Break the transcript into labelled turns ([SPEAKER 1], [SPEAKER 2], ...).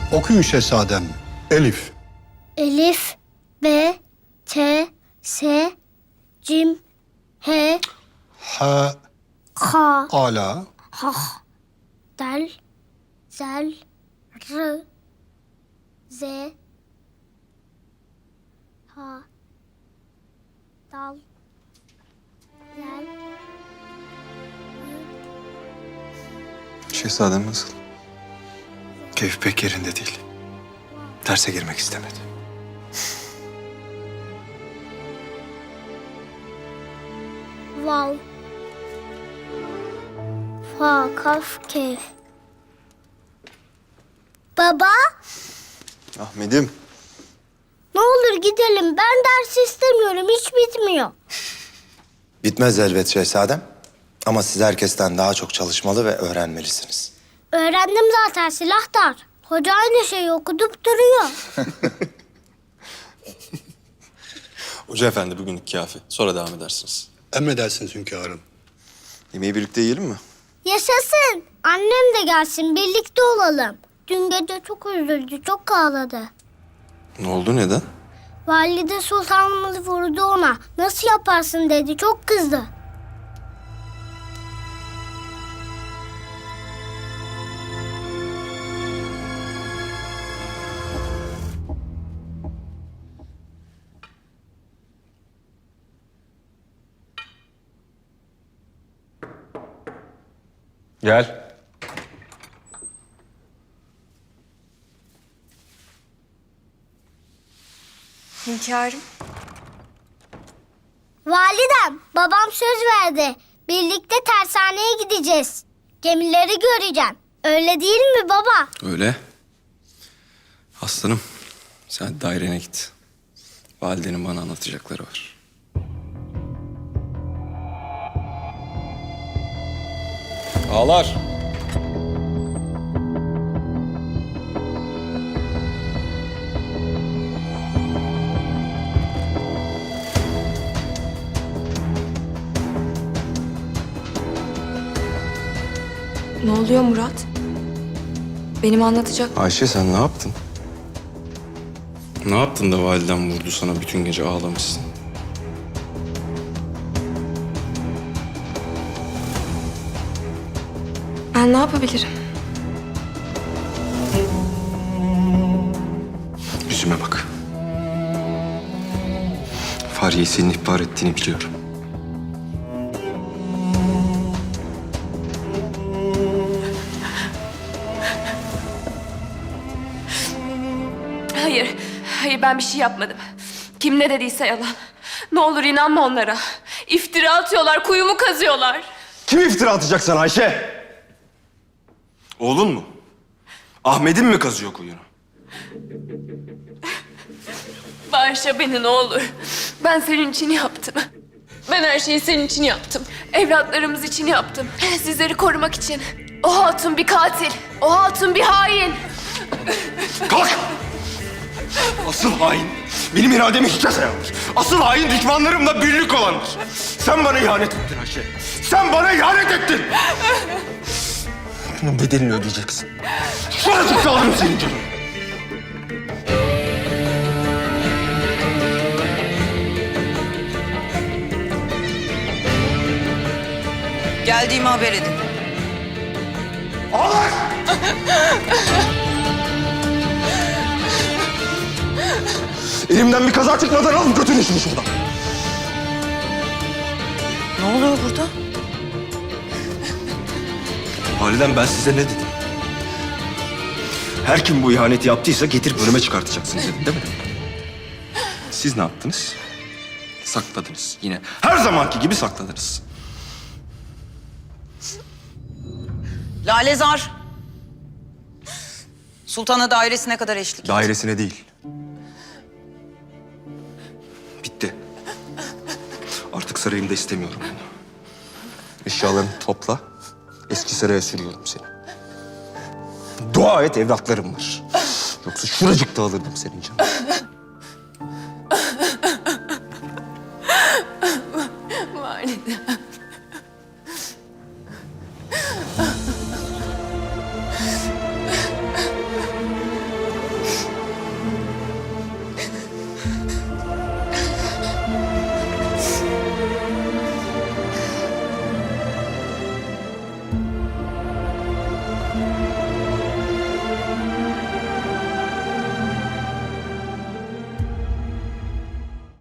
[SPEAKER 1] Okuyun şehzadem. Elif.
[SPEAKER 2] Elif, B, T, S, Cim, H,
[SPEAKER 1] Ha.
[SPEAKER 2] K,
[SPEAKER 1] Ala.
[SPEAKER 2] H, Del, Zel, R, Z, H, Dal, Zel.
[SPEAKER 3] Şehzadem nasıl? Keyfi pek yerinde değil. Derse girmek istemedi.
[SPEAKER 2] Vav. Fa, kaf, kef. Baba,
[SPEAKER 3] Ahmet'im.
[SPEAKER 2] ne olur gidelim. Ben ders istemiyorum. Hiç bitmiyor.
[SPEAKER 4] Bitmez elbet şehzadem. Ama siz herkesten daha çok çalışmalı ve öğrenmelisiniz.
[SPEAKER 2] Öğrendim zaten silahtar. Hoca aynı şeyi okutup duruyor.
[SPEAKER 3] Hoca efendi bugünlük kafi. Sonra devam edersiniz.
[SPEAKER 1] Emredersiniz hünkârım.
[SPEAKER 3] Yemeği birlikte yiyelim mi?
[SPEAKER 2] Yaşasın. Annem de gelsin. Birlikte olalım. Dün gece çok üzüldü. Çok ağladı.
[SPEAKER 3] Ne oldu, neden?
[SPEAKER 2] Valide sultanımız vurdu ona. Nasıl yaparsın dedi. Çok kızdı.
[SPEAKER 3] Gel.
[SPEAKER 5] Hünkârım.
[SPEAKER 2] Validem, babam söz verdi. Birlikte tersaneye gideceğiz. Gemileri göreceğim. Öyle değil mi baba?
[SPEAKER 3] Öyle. Aslanım, sen dairene git. Validenin bana anlatacakları var. Ağlar.
[SPEAKER 5] Ne oluyor Murat? Benim anlatacak...
[SPEAKER 3] Ayşe sen ne yaptın? Ne yaptın da validen vurdu sana bütün gece ağlamışsın?
[SPEAKER 5] Ben ne yapabilirim?
[SPEAKER 3] Yüzüme bak. Fahriye'yi senin ihbar ettiğini biliyorum.
[SPEAKER 6] Hayır ben bir şey yapmadım. Kim ne dediyse yalan. Ne olur inanma onlara. İftira atıyorlar, kuyumu kazıyorlar.
[SPEAKER 3] Kim iftira atacak sana Ayşe? Oğlun mu? Ahmet'in mi kazıyor kuyunu?
[SPEAKER 6] Bağışla beni ne olur. Ben senin için yaptım. Ben her şeyi senin için yaptım. Evlatlarımız için yaptım. Sizleri korumak için. O hatun bir katil. O hatun bir hain.
[SPEAKER 3] Kalk! Asıl hain benim irademi hiçe sayandır. Asıl hain düşmanlarımla birlik olandır. Sen bana ihanet ettin Ayşe. Sen bana ihanet ettin. Bunun bedelini ödeyeceksin. Şuracıkta alırım senin canını.
[SPEAKER 7] Geldiğimi haber edin.
[SPEAKER 3] Ağlar! Elimden bir kaza çıkmadan alın götürün şunu şuradan.
[SPEAKER 7] Ne oluyor burada?
[SPEAKER 3] Validem ben size ne dedim? Her kim bu ihaneti yaptıysa getirip önüme çıkartacaksınız dedim değil mi? Siz ne yaptınız? Sakladınız yine. Her zamanki gibi sakladınız.
[SPEAKER 7] Lalezar. Sultana dairesine kadar eşlik et.
[SPEAKER 3] Dairesine değil. Bitti. Artık sarayımda istemiyorum bunu. Eşyalarını topla. Eski saraya sürüyorum seni. Dua et evlatlarım var. Yoksa şuracıkta alırdım senin canını.